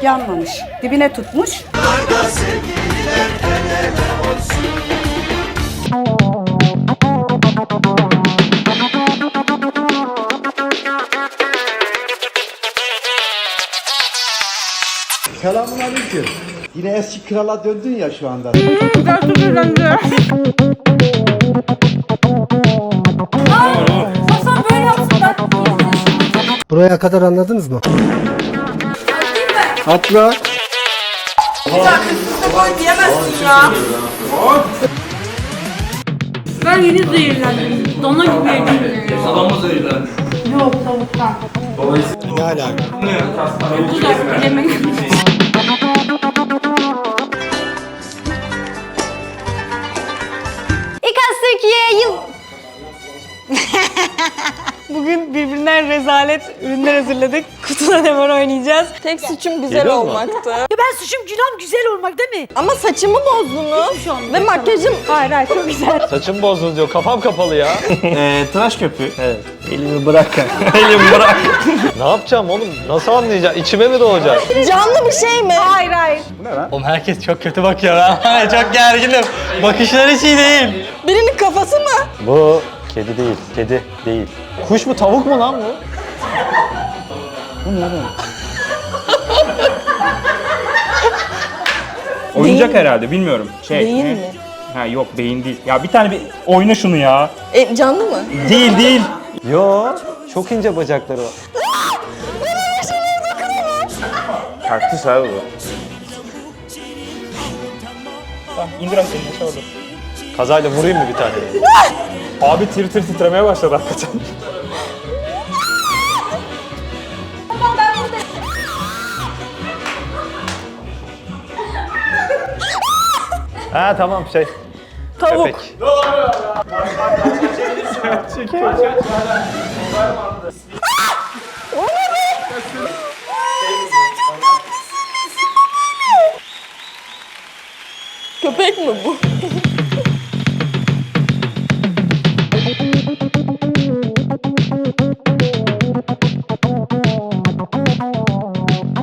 yanmamış. Dibine tutmuş. Selamünaleyküm. Yine eski krala döndün ya şu anda. Hasan böyle yapsın ben. Buraya kadar anladınız mı? Atla. Diyemezsin ya. Ben yeni zehirlendim. Dana gibi yedim. Adam mı zehirlendi? Yok tavuktan. Ne alaka? Güzel yemek. İKAS Türkiye yıl... Bugün birbirinden rezalet ürünler hazırladık. Kutuda ne var oynayacağız. Tek suçum güzel olmaktı. Ya ben suçum günahım güzel olmak değil mi? Ama saçımı bozdunuz. Ve makyajım... Hayır hayır çok güzel. Saçım bozdunuz diyor. Kafam kapalı ya. Tıraş köpüğü. Evet. Elimi bırak. Elimi bırak. Ne yapacağım oğlum? Nasıl anlayacağım? İçime mi doğacak? Canlı bir şey mi? Hayır hayır. Oğlum herkes çok kötü bakıyor ha. Çok gerginim. Bakışlar hiç iyi değil. Birinin kafası mı? Bu kedi değil. Kedi değil. Kuş mu tavuk mu lan bu? Oyuncak herhalde bilmiyorum. Beyin ne? mi? Ha yok beyin değil. Ya bir tane bir oyna şunu ya. Canlı mı? Değil değil. Yo. Çok ince bacakları var. Kaktüs abi bu. Tamam indir abi elini aşağı orada. Kazayla vurayım mı bir tane? Abi tir tir titremeye başladı hakikaten. Ha tamam şey. Tavuk. Köpek. Köpek mi bu?